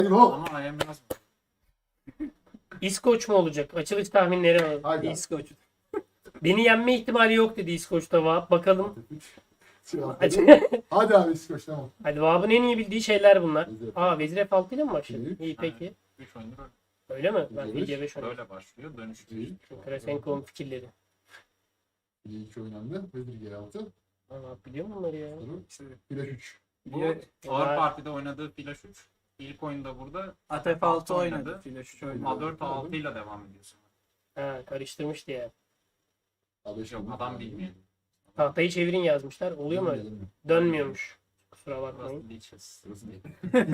Hop. Ama ayağım biraz... İskoç mu olacak? Açılış tahminleri var. Haydi. İskoç. Beni yenme ihtimali yok dedi İskoç'ta Vahap. Bakalım. Hadi abi İskoç tamam. Hadi Vahap'ın en iyi bildiği şeyler bunlar. Vezir Aa Vezir F6 ile mi başladı? İyi. İyi peki. 3 oyundur Öyle mi? Ben Vezir C5 oynadım. böyle başlıyor. Dönüşü İyi. Krasenko'nun fikirleri. İyi iki oynandı. Vezir G6. Vahap biliyor mu bunları ya? İşte flash 3. Bu Var. ağır partide oynadığı flash 3. İlk oyunda burada At F6 oynadı. Flash 3 oynadı. A4 A6 ile devam ediyorsun. Ha karıştırmıştı ya. A5 Yok adam bilmiyor. Tahtayı çevirin yazmışlar. Oluyor mu öyle? Dönmüyormuş. Kusura bakmayın. Burası Leeches. Burası değil.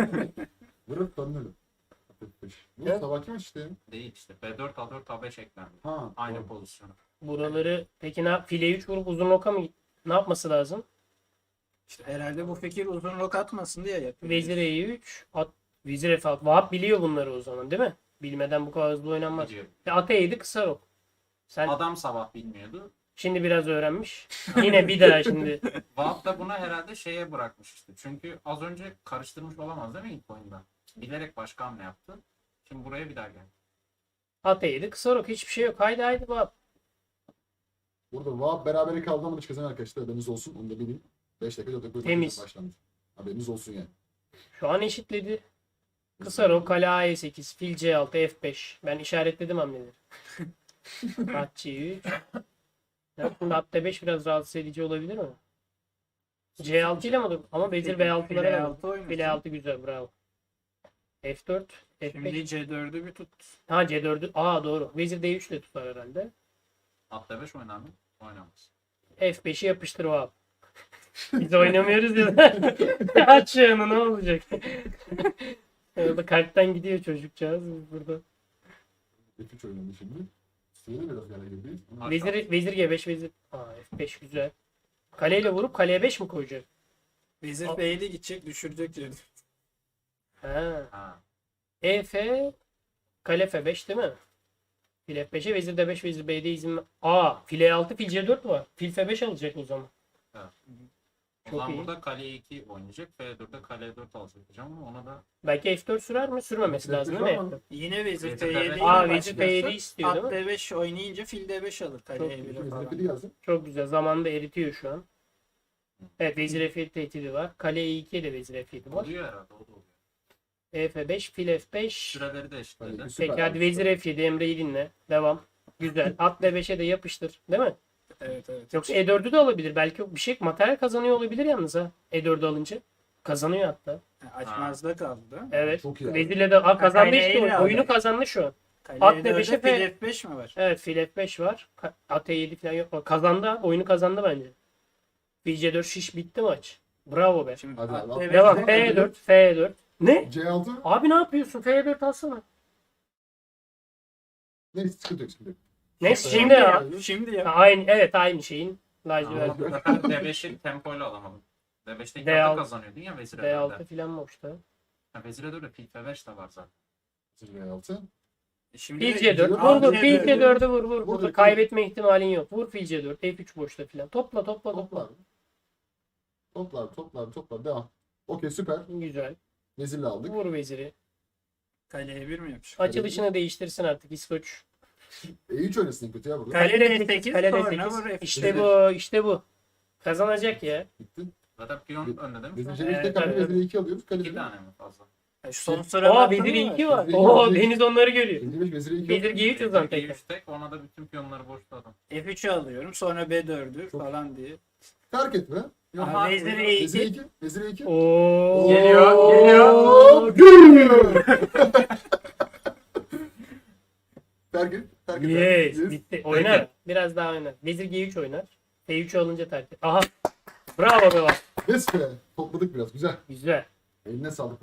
Vurup dönmedim. Bu Evet. sabahki maç işte. Değil işte. B4 A4 A5 eklendi. Ha. Aynı doğru. pozisyon. Buraları peki file 3 vurup uzun oka mı ne yapması lazım? İşte herhalde bu fikir uzun rok atmasın diye yapıyor. Vezir E3, at, Vezir F6. Vahap biliyor bunları o zaman değil mi? Bilmeden bu kadar hızlı oynanmaz. Biliyorum. At E7 kısa ok. Sen Adam sabah bilmiyordu. şimdi biraz öğrenmiş. Yine bir daha şimdi. Vahap da bunu herhalde şeye bırakmış işte. Çünkü az önce karıştırmış olamaz değil mi ilk oyunda? Bilerek başka hamle yaptı. Şimdi buraya bir daha geldi. At E7 kısa ok. Hiçbir şey yok. Haydi haydi Vahap. Burada Vahap berabere kaldı ama maç kazanır arkadaşlar. Haberiniz olsun. Onu da bilin. 5 dakika 4 dakika Temiz. başlandı. Haberiniz olsun yani. Şu an eşitledi. Kısa ok, kale A8, fil C6, F5. Ben işaretledim hamleleri. At C3. Ya şimdi at D5 biraz rahatsız edici olabilir mi? C6 ile mi olur? Ama Vezir B6'lara File ver. 6 oynasın. File 6 güzel bravo. F4, Şimdi F5. C4'ü bir tut. Ha C4'ü. Aa doğru. Vezir D3 ile tutar herhalde. At D5 oynar mı? Oynamaz. F5'i yapıştır o abi. Biz oynamıyoruz ya. Aç yanı ne olacak? Orada kalpten gidiyor çocukcağız burada. F3 oynadı şimdi. Sürede biraz gale girdi. Vezir G5 vezir. Aa F5 güzel. Kaleyle vurup kaleye 5 mi koyacak? Vezir B'li gidecek düşürecek diyor. Ha. Ha. EF kale F5 değil mi? Fil F5'e vezir D5 vezir B'de izin. Aa fil E6 fil C4 var. Fil F5 alacak o zaman. O Çok zaman iyi. burada kale 2 oynayacak. F4'te kale 4 alacak diyeceğim ama ona da Belki F4 sürer mi? Sürmemesi F4 lazım değil mi? ama- F4? Yine Vezir Vezir F7 D5. Aa vezir F7 istiyor At değil mi? D5 oynayınca fil D5 alır. Kale Çok E1'e Vezir falan. F7 yazdım. Çok güzel. Zamanında eritiyor şu an. Evet vezir F7 tehdidi var. Kale E2'ye de vezir F7 var. oluyor herhalde. O da oluyor. F5 fil F5. Süreleri de eşitledi. Hadi, süper Peki hadi abi, vezir süper. F7 Emre'yi dinle. Devam. Güzel. At D5'e de yapıştır. Değil mi? Evet evet. Yoksa E4'ü de alabilir. Belki bir şey materyal kazanıyor olabilir yalnız ha. E4'ü alınca. Kazanıyor hatta. Açmazda kaldı. Evet. Çok iyi abi. Vezirle de kazandı Kale işte. ile Oyunu aldı. kazandı şu an. Kale At E4'e D5'e fil F5 mi var? Evet fil F5 var. At E7 falan yok. Kazandı. Oyunu kazandı bence. Fil C4 şiş bitti maç. Bravo be. Şimdi Hadi at abi, D5'e Devam. F4. F4. F4. Ne? C6. Abi ne yapıyorsun? F4 alsana. Neyse sıkıntı yok sıkıntı yok. Neyse Şimdi şimdi ya. ya. Şimdi Ha, ya. aynı, evet aynı şeyin. Ama Lacivert. bu sefer D5'i tempoyla alamadım. D5'te ilk D6. hafta kazanıyordun ya vezir D6 E4'de. falan boşta. Ha, vezir E4'de fil F5 de var zaten. Vezir G6. Şimdi Fil C4. Vezir- Vur vur. Vezir Fil C4'ü C4'ü vur vur. Vur, Burada vur. kaybetme ihtimalin yok. Vur fil C4. F3 boşta falan. Topla topla topla. Toplar. Toplar toplar toplar. Devam. Okey süper. Güzel. Vezirle aldık. Vur veziri. Kale E1 mi yapmış? Açılışını değiştirsin artık İskoç. E3 oynasın en kötü ya burada. Kale Kale D8, Kale sonra D8. vur F8. İşte bu. İşte bu. Kazanacak ya. Bitti. Zaten piyon önde değil mi? Vezir şu an? C5'te Evet, kaldı. evet. Vezir 2 alıyoruz. Kale 2 1. tane mi fazla? Son sıra Aa vezir E2 var. Vezir E2 Oo var. Deniz onları görüyor. Vezir 5 Vezir 2 Vezir G3 o zaman tekrar. G3 tek ona da bütün piyonları boşladım. F3'ü alıyorum sonra B4'ü Çok- falan diye. Terk etme. Yok. Aha, Vezir E2. Vezir 2. Vezir 2. Oo. Geliyor, geliyor. Geliyor. Terk et. Terk et. Yes. Yes. Bitti. Oynar. Biraz daha oynar. Vezir G3 oynar. F3 alınca terk et. Aha. Bravo be bak. Yes be. Topladık biraz. Güzel. Güzel. Eline sağlık.